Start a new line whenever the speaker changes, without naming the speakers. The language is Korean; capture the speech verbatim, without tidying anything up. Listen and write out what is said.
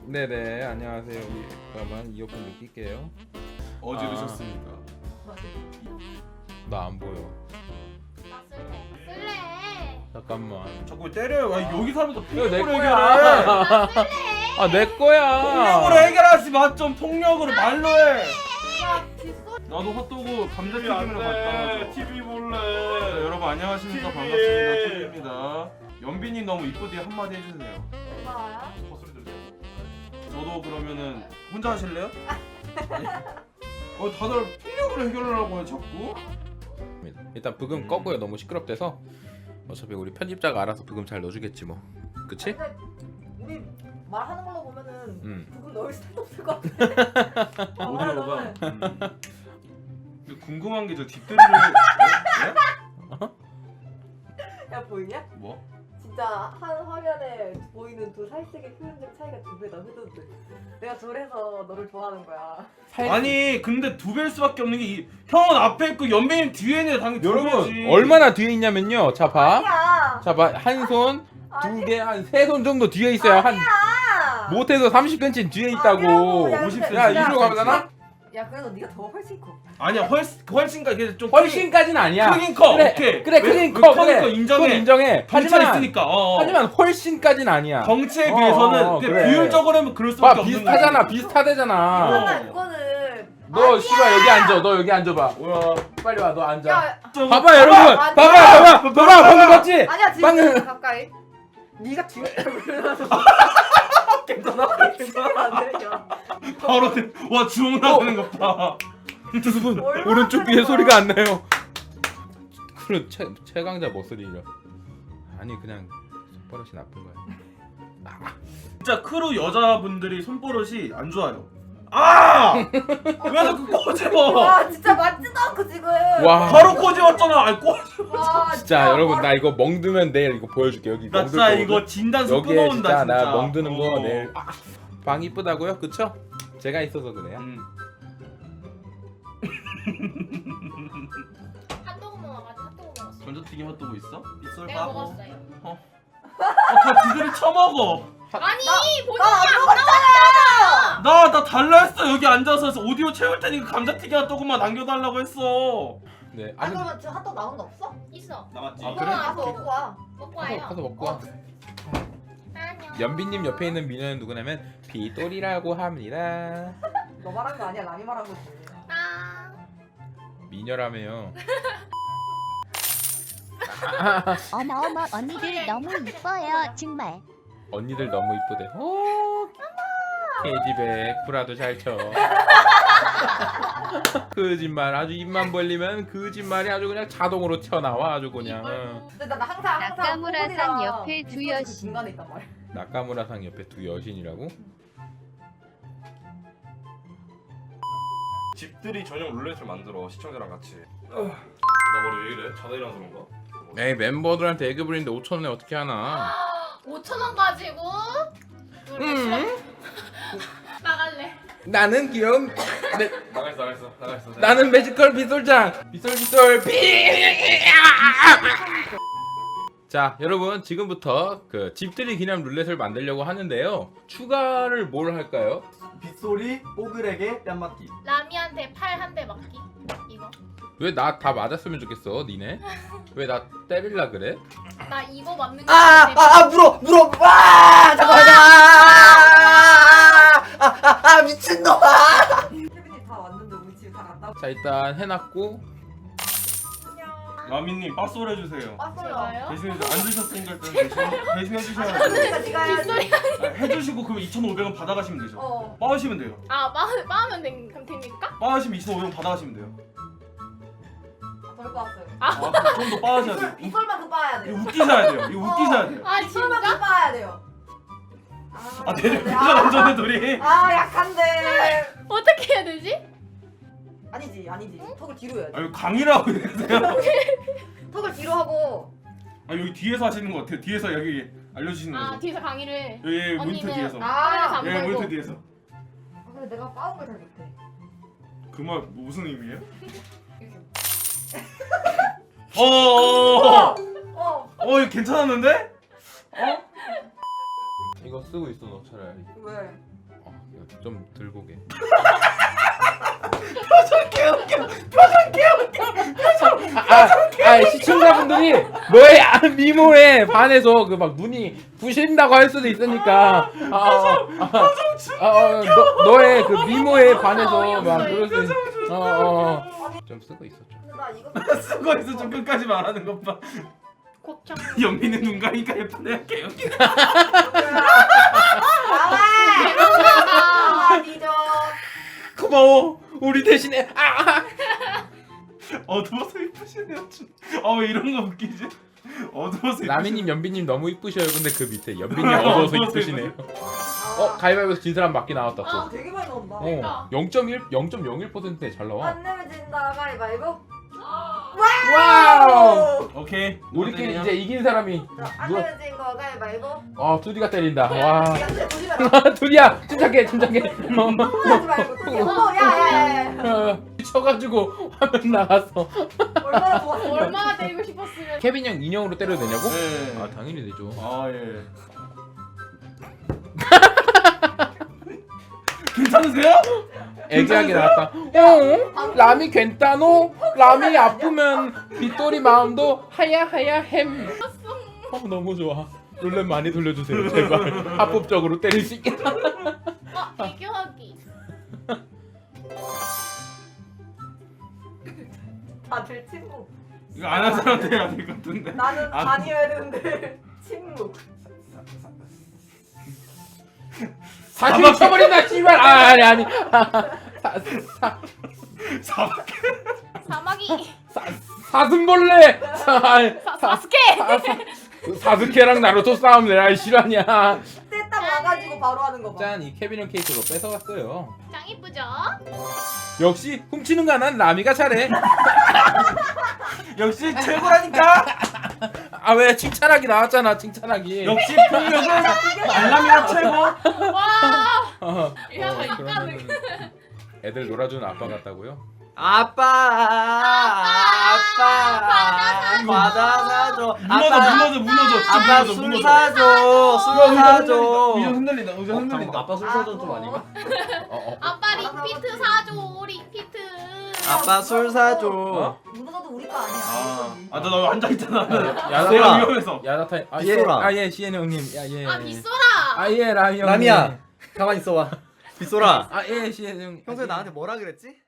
네네 안녕하세요. 우리 잠깐만 이어폰 느낄게요.
어제
아.
드셨습니까?
나 안 보여.
나 쓸래. 쓸래.
잠깐만.
자꾸 때려요. 아, 여기 사면서
이거 내
폭력으로
거야.
해결해.
아 내 거야.
폭력으로 해결하지 마. 좀 폭력으로 말로 해.
야, 뒷소리.
나도 핫도그 감자튀김이랑 갖다 줘.
티비 볼래.
자, 여러분 안녕하십니까.
티비.
반갑습니다. 티비입니다. 연빈님 너무 이쁘디 한마디 해주세요.
뭐야?
헛소리 들려.
저도 그러면은 혼자 하실래요? 어 다들 폭력으로 해결하려고 해 자꾸.
일단 브금 껐고요. 너무 시끄럽대서 어차피 우리 편집자가 알아서 브금 잘 넣어주겠지 뭐. 그치?
근데 우리 말하는 걸로 보면은
음.
부금 넣을 수도 없을 것 같아. 어,
오디오가.
말하는
음. 근데 궁금한 게 저 뒷대리를 어?
야 보이냐?
뭐?
진짜 한 화면에 보이는 두 살색의 표현적 차이가 두 배다 해도 돼. 내가 저래서 너를 좋아하는 거야.
아니 근데 두 배일 수밖에 없는 게 이, 형은 앞에 있고 연빈님 뒤에 있는 애 당연히 두
여러분
배지.
얼마나 뒤에 있냐면요. 자 봐.
아니야.
자 봐. 한 손, 두
아니야.
개, 한 세 손 정도 뒤에 있어요. 한
아니야.
못해서 삼십 센티미터 뒤에 있다고.
아니라고. 야,
오십
근데-
야
야,
이리로 가잖아.
야 그래도 네가 더 훨씬 커.
아니야 훨씬 훨씬가 이게 좀
훨씬까지는 아니야.
크긴 커.
그래,
오케이.
그래,
왜-
크긴
왜
커.
크니까
그래.
인정해.
그건 인정해.
덩치가
하지만
있으니까. 어, 어.
하지만 훨씬까지는 아니야.
덩치에
어,
비해서는
어,
근데
그래.
비율적으로 하면 그럴
봐
수밖에 없는
비슷하잖아.
거지.
비슷하대잖아.
어.
잠깐만 그거는.
너 씨발 여기 앉아. 너 여기 앉아봐.
뭐야?
빨리 와. 너 앉아.
야
좀-
봐봐 여러분.
아니야.
봐봐 봐봐. 봐봐 방금 봤지?
아니야 지금
방금-
가까이. 네가 뒤에 그러면서
괜찮아? 괜찮아?
안 돼. 야.
바로 돼. 와 주먹 나오는 것 봐.
여러분
얼마나
오른쪽 귀에
크는
소리가
거야?
안 나요. 그럼 최 최강자 머슬이죠. 아니 그냥 손버릇이 나쁜 거야.
진짜 크루 여자분들이 손버릇이 안 좋아요. 아! 왜 자꾸 꼬집어?
와 진짜 맞지도 않고 지금.
와.
바로 꼬집었잖아. 아니 꼬.
와,
진짜 여러분
바로-
나 이거 멍들면 내일 이거 보여줄게. 여기
나
멍들
진짜
거거든.
이거 진단서
여기에
끊어온다
진짜
진짜.
나 멍드는 거
어.
내일. 아, 방 이쁘다고요? 그쵸? 제가 있어서 그래요.
음.
핫도그 먹어가지고 핫도그 먹었어.
전자튀김 핫도그 있어? 빗솔
내가
빠고.
먹었어요.
어, 다 지들이 처먹어.
아니
나-
본인이
나
안
안
나왔잖아.
나, 나 달라 했어. 여기 앉아서 해서 오디오 채울 테니까 감자튀김 핫도그만 남겨달라고 했어.
네.
아
아, 근데
그러면 지금 핫도그 나온 거 없어?
있어.
나갔지.
아,
아
그래?
그래? 가서 먹고 와.
먹고
가서,
와요.
가서 먹고 와.
어.
안녕.
연빈님 옆에 있는 미녀는 누구냐면 비돌이라고 합니다.
너 말한 거 아니야 남이 말한 거지.
아.
미녀라며요.
어머어머 언니들 너무 이뻐요 정말.
언니들 너무 이쁘대. 오, 케이지백 구라도 잘 쳐. 거짓말 아주 입만 벌리면 거짓말이 아주 그냥 자동으로 튀어나와 아주 그냥. 응.
근데 나, 나 항상 항상
낙가무라산
소금이랑
옆에 두
그
여신.
중간에 있단 말이야.
나카무라상 옆에 두 여신이라고?
집들이 전용 룰렛을 만들어 시청자랑 같이. 나 머리 왜 이래? 자다 일어나서 그런가?
에이 멤버들한테 애교 부리는데 오천 원에 어떻게 하나?
오천 원 가지고.
음.
나갈래.
나는 귀여운 내,
나가있어 나가있어 나가있어.
나는 매지컬 빗솔장 빗솔 빗솔 비. 자 여러분 지금부터 그 집들이 기념 룰렛을 만들려고 하는데요. 추가를 뭘 할까요?
빗소리, 뽀글에게 뺨맞기.
라미한테 팔 한 대 맞기. 이거.
왜 나 다 맞았으면 좋겠어 니네? 왜 나 때릴라 그래?
나 이거 맞는 거.
아, 아, 아, 물어, 물어, 와, 잠깐만, 아, 아, 아, 아, 미친놈아. 케빈이 다 왔는데 우리 집에 다 간다.
자 일단 해놨고
라미님 빠소를 해주세요.
왔어요.
제가요?
대신에 안 주셨으니까 일단 대신, 대신 해주셔야 돼요.
그러니까 네가 해야지.
아, 해주시고 그럼 이천오백 원 받아가시면 되죠.
어,
빠으시면 돼요.
아 빠, 빠면 된, 그럼 됩니까?
빠으시면 이천오백 원 받아가시면 돼요.
덜 빠았어요.
아, 좀 더 빠으셔야 돼요.
빗솔, 빗솔만큼 빠야
이거
돼요.
웃기셔야 돼요. 이거 웃기셔야 돼요.
아
빗솔만큼
진짜?
빠야 돼요.
아, 대전
아,
대전 안전해 둘이.
아, 약한데.
어떻게 해야 되지?
아니지, 아니지. 턱을 뒤로 해야지.
아, 이거 강의라고 해야 돼요.
턱을 뒤로 하고.
아, 여기 뒤에서 하시는 것 같아요. 뒤에서 여기 알려주시는
아
거죠.
뒤에서 강의를 해.
여기 모니터
언니는-
뒤에서.
아,
안
예,
보이고.
모니터 뒤에서.
아, 근데 내가 빠운 걸 잘 못해.
그 말 무슨 의미예요?
이렇게.
어, 어, 어,
어.
어, 이거 괜찮았는데? 어?
이거 쓰고 있어 너 차라리.
왜?
어, 이거 좀 들고 게. 아, 아, 시청자분들이 너의 아, 미모에 반해서 그 막 눈이 부신다고 할 수도 있으니까. 아, 아, 아, 아, 어, 너 너의 그 미모에 반해서 막 그럴 수. 있- 어, 어, 어. 좀 쓰고 있었죠.
근데 나 이거
쓰고 있어 좀 끝까지 말하는 것 봐.
곱창.
영민은 눈 가니까 예쁘네. 개영민.
아, 아니죠.
고마워. 우리 대신에 아,
어두워서 이쁘시네요. 아왜 이런 거 웃기지? 어두워서
라미님, 연비님 너무 이쁘셔요. 근데 그 밑에 연비님 어두워서 이쁘시네요. 어, 가위바위보에서 진 사람 맞기 나왔다 또.
아, 되게 많이 나온다.
어, 영 점 일, 영 점 영일 퍼센트에 잘 나와.
안 내면 진다 가위바위보.
와우!
오케이.
우리끼리 이제 이긴 사람이
자, 안
누가-
내면 진 거 가위바위보.
아 두디가 때린다. 와.
미안해, 보지 마라.
두디야, 침착해, 침착해. 어,
하지 말고. 또 어머, 야야야.
어, 쳐가지고 화면 나갔어.
얼마나 좋았어.
얼마나 때리고 싶었으면.
케빈 형 인형으로 때려도 되냐고?
네.
아 당연히 되죠.
아 예. 괜찮으세요?
애기하게 나왔다. 어? 라미 괜찮노? 라미 아프면 빗돌이 마음도 하야 하야 햄. 어 너무 좋아. 룰렛 많이 돌려주세요 제발. 합법적으로 때릴 수 있게.
아 비교하기.
다들 침묵.
이거 안 한 사람한테 해야 될 것 같은데.
나는
아.
다녀야 되는데 침묵.
사실 쳐버린다 씨발. 아 아니 아니. 사, 사,
사박.
사마귀.
사, 사슴벌레. 사,
사, 사스케.
사, 사, 사스케랑 나루토 싸움 내가 실화냐.
떼딱 와가지고 바로 하는 거 봐.
짠, 이 케빈 형 케이크로 뺏어갔어요.
짱 이쁘죠?
역시 훔치는 거 난 라미가 잘해.
역시 최고라니까.
아 왜 칭찬하기 나왔잖아 칭찬하기.
역시 폭력은 알람이가 최고.
와.
어,
야,
어,
이까는.
그러면은 애들 놀아주는 아빠 같다고요?
아빠 아빠 과자 사줘.
무너져 무너져 무너져. 진짜
아빠
무너져
술
무너져.
사줘. 술 사줘.
의자 흔들린다. 의자
어,
흔들린다.
잠깐만, 아빠 술 사줘 좀 아닌가?
어, 어.
아빠 링피트 사줘. 링피트.
아빠 술 사줘.
어?
무너져도 우리 거 아니야.
아, 아, 너, 너 앉아 있잖아.
야,
내가
야,
위험해서.
야자타. 아 예.
빗소라.
아 예, 시엔 형님. 야 예.
아 빗소라.
아 예, 라미 형.
라미야 가만 있어봐. 빗소라.
아 예, 시엔 형.
평소에 나한테 뭐라 그랬지?